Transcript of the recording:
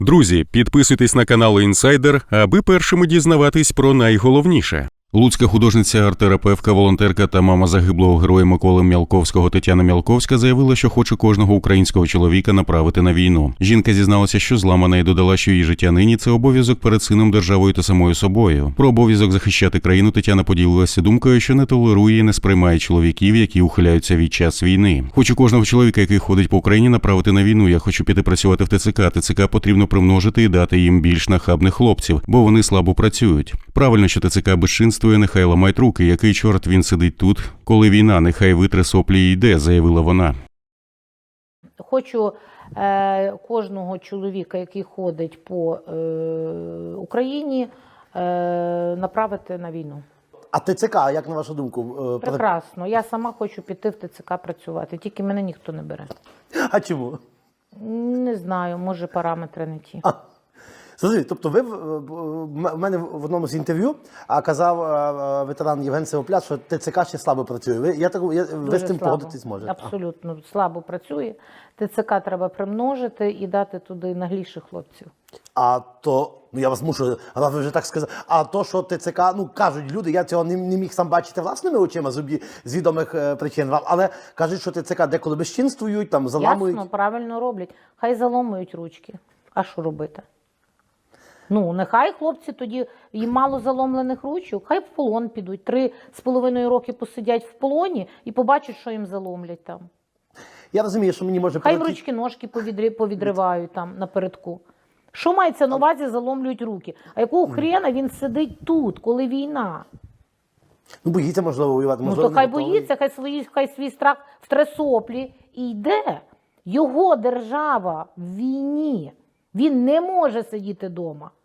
Друзі, підписуйтесь на канал Інсайдер, аби першими дізнаватись про найголовніше. Луцька художниця, арт-терапевтка, волонтерка та мама загиблого героя Миколи Мялковського Тетяна Мялковська заявила, що хоче кожного українського чоловіка направити на війну. Жінка зізналася, що зламана, і додала, що її життя нині – це обов'язок перед сином, державою та самою собою. Про обов'язок захищати країну Тетяна поділилася думкою, що не толерує і не сприймає чоловіків, які ухиляються від час війни. Хочу кожного чоловіка, який ходить по Україні, направити на війну. Я хочу піти працювати в ТЦК. ТЦК потрібно примножити і дати їм більш нахабних хлопців, бо вони слабо працюють. Правильно, що ТЦК безчинствує, нехай ламають руки. Який чорт він сидить тут, коли війна? Нехай витре соплі і йде, заявила вона. Хочу кожного чоловіка, який ходить по Україні, направити на війну. А ТЦК, як на вашу думку? Прекрасно. Я сама хочу піти в ТЦК працювати, тільки мене ніхто не бере. А чому? Не знаю, може параметри не ті. Зрозуміло, тобто ви в мене в одному з інтерв'ю казав ветеран Євген Сивопляс, що ТЦК ще слабо працює. Ви з цим погодитись можете? Абсолютно слабо працює. ТЦК треба примножити і дати туди нагліших хлопців. А то, я вас мушу, раз ви вже так сказали, а то, що ТЦК, кажуть люди, я цього не міг сам бачити власними очима з відомих причин, але кажуть, що ТЦК деколи безчинствують, там заламують. Ясно, правильно роблять. Хай заломують ручки. А що робити? Нехай хлопці тоді, їм мало заломлених ручок, хай в полон підуть. 3,5 роки посидять в полоні і побачать, що їм заломлять там. Я розумію, що мені може Хай ручки-ножки повідривають там напередку. Що мається на увазі, заломлюють руки? А якого хрена він сидить тут, коли війна? Боїться, можливо, воювати. То хай боїться, хай свій страх втре соплі і йде. Його держава в війні. Він не може сидіти вдома.